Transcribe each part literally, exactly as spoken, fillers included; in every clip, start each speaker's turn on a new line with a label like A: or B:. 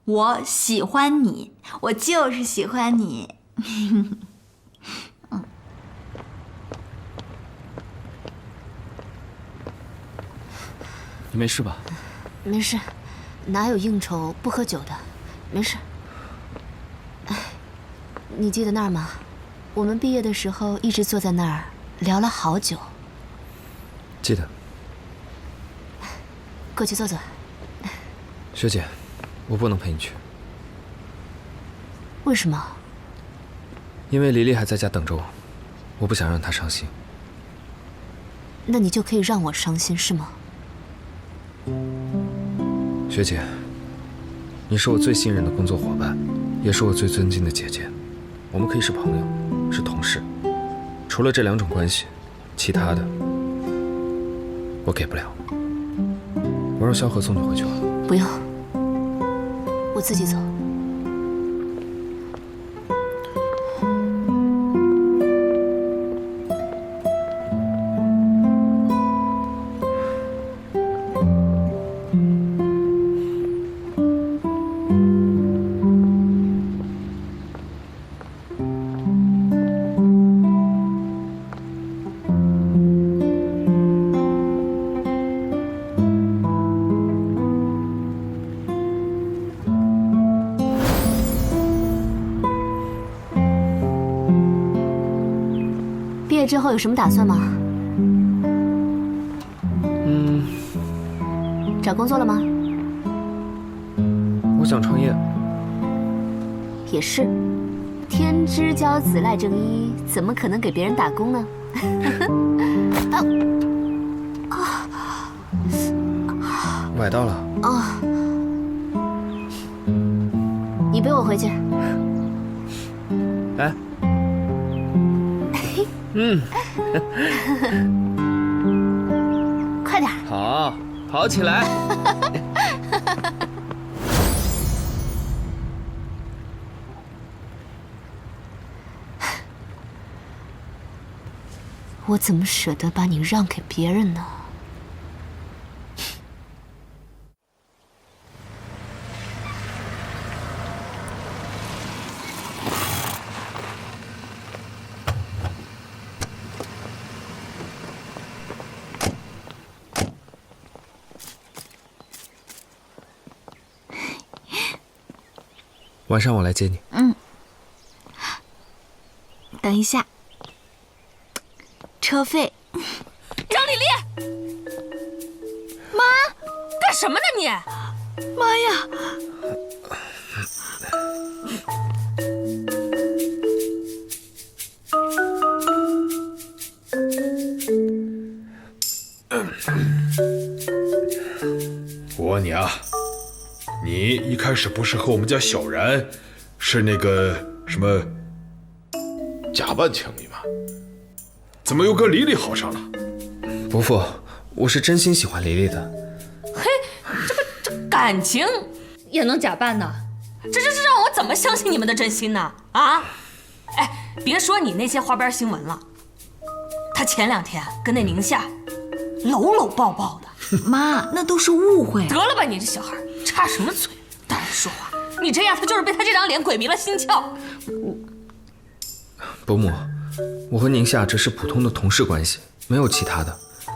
A: 我喜欢你，我就是喜欢你。嗯，
B: 你没事吧？
C: 没事，哪有应酬不喝酒的？没事。哎，你记得那儿吗？我们毕业的时候一直坐在那儿聊了好久。
B: 记得。
C: 过去坐坐。
B: 学姐，我不能陪你去。
C: 为什么？
B: 因为黎黎还在家等着我，我不想让她伤心。
C: 那你就可以让我伤心是吗？
B: 学姐，你是我最信任的工作伙伴，也是我最尊敬的姐姐。我们可以是朋友，是同事。除了这两种关系，其他的我给不了。我让萧何送你回去吧。
C: 不用，我自己走。毕业之后有什么打算吗？
B: 嗯，
C: 找工作了吗？
B: 我想创业。
C: 也是，天之骄子赖正一，怎么可能给别人打工呢？
B: 崴到了。
C: 啊！你背我回去。
B: 来。嗯，
C: 快点！
B: 好，跑起来！
C: 我怎么舍得把你让给别人呢？
B: 晚上我来接你。
A: 嗯，等一下，车费。
D: 张丽丽，
A: 妈，
D: 干什么呢你？
A: 妈呀！
E: 我问你啊，你一开始不是和我们家小然是那个什么假扮情侣吗？怎么又跟黎黎好上了？
B: 伯父，我是真心喜欢黎黎的。
D: 嘿，这个这感情也能假扮呢？这这这让我怎么相信你们的真心呢？啊！哎，别说你那些花边新闻了，他前两天跟那宁夏搂搂抱抱的。
A: 妈，那都是误会。
D: 得了吧，你这小孩插什么嘴？大人说话，你这样他就是被他这张脸鬼迷了心窍。
B: 伯母，我和宁夏只是普通的同事关系，没有其他的。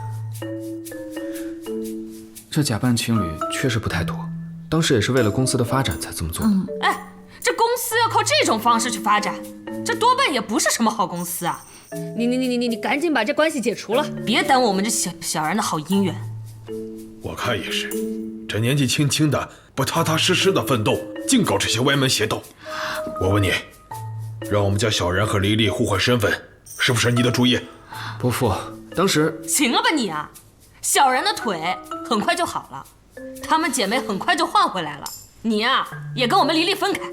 B: 这假扮情侣确实不太妥，当时也是为了公司的发展才这么做的。
A: 嗯、
D: 哎，这公司要靠这种方式去发展，这多半也不是什么好公司啊！你你你你你你赶紧把这关系解除了，别耽误我们这小小人的好姻缘。
E: 我看也是，这年纪轻轻的，不踏踏实实的奋斗，净搞这些歪门邪道。我问你，让我们家小然和黎黎互换身份，是不是你的主意？
B: 伯父，当时
D: 行了吧你啊！小然的腿很快就好了，她们姐妹很快就换回来了。你呀、啊，也跟我们黎黎分开。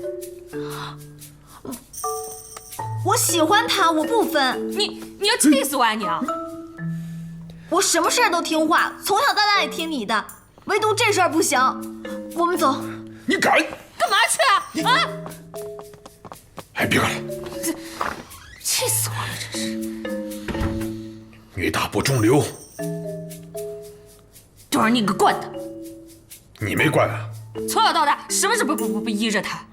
A: 我喜欢他，我不分。
D: 你你要气死我啊你啊！
A: 我什么事儿都听话，从小到大也听你的，唯独这事儿不行。我们走。
E: 你敢？
D: 干嘛去啊？啊！
E: 哎，别干了！
D: 气死我了，真是！
E: 女大不中留。
D: 就是你给惯的。
E: 你没惯啊，
D: 从小到大什么事不不不不依着他。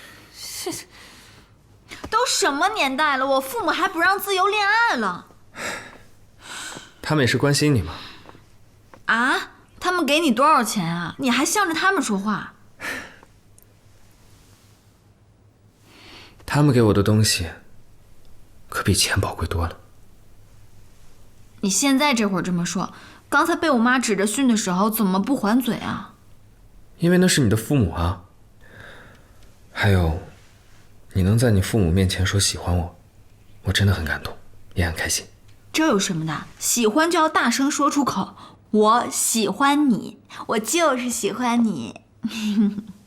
A: 都什么年代了，我父母还不让自由恋爱了。
B: 他们也是关心你嘛。
A: 啊？他们给你多少钱啊？你还向着他们说话？
B: 他们给我的东西，可比钱宝贵多了。
A: 你现在这会儿这么说，刚才被我妈指着训的时候，怎么不还嘴啊？
B: 因为那是你的父母啊。还有，你能在你父母面前说喜欢我，我真的很感动，也很开心。
A: 这有什么的？喜欢就要大声说出口。我喜欢你，我就是喜欢你。